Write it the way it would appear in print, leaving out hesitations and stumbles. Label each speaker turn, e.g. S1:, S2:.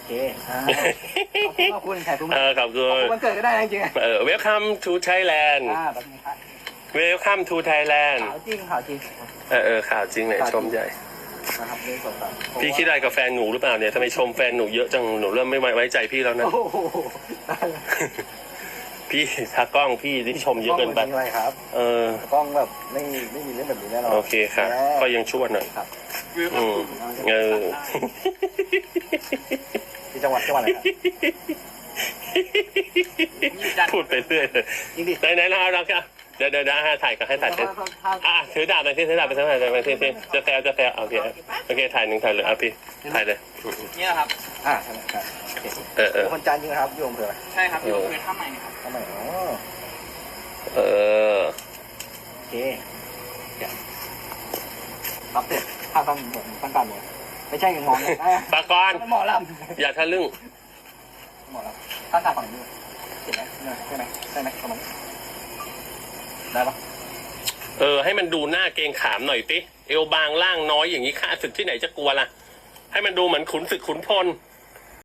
S1: เคขอบคุณแขกทุกท่าน
S2: ขอบคุณ
S1: วันเกิดก็ได้จริง
S2: ๆWelcome to Thailand
S1: แบบนี้ครับ
S2: Welcome to Thailand
S1: ข่าวจริงข่าวจริง
S2: ข่าวจริงเลยชมใหญ่
S1: นะครับนี่สดแบบ
S2: พี่คิดอะไรกับแฟนหนูหรือเปล่าเนี่ยทำไมชมแฟนหนูเยอะจังหนูเริ่มไม่ไว้ใจพี่แล้วนะพี่ถ้ากล้องพี่ที่ชมเยอะเกินไป
S1: อะไรครับกล้องแบบไม่มีเรื่องแบบนี้แน่นอน
S2: โอเคครับก็ยังชั่วหน่อย
S1: ที่จังหวัดอะไรครับ
S2: พูดไปเรื่อยเลยไหนนะครับเดี๋ยวถ่ายกันให้ถ่ายเป็นถือดาบไปที่ถือดาบไปทั้งหมดไปที่จะแซวโอเคถ่ายหนึ่งถ่ายเลยพี่ถ่ายเลย
S3: นี่แหละครับ
S1: ใช่ครับคนจันทร์จริงครับโยมเผื่อ
S3: ใช่ครับโยมเผื่อท่าใหม่ครับ
S1: ท่าใหม่โอเครับเสร็จข้าวตั้งการเลยไม่ใช่งง
S2: ปากร
S1: หมอลำ
S2: อย่าทะลึ่ง
S1: หมอลำตั้งการฝั่งนี้เห็นไหมใช่ไหมประมาณได้ปะ
S2: ให้มันดูหน้าเกรงขามหน่อยสิเอวบางล่างน้อยอย่างนี้ข้าศึกที่ไหนจะกลัวล่ะให้มันดูเหมือนขุนศึกขุนพล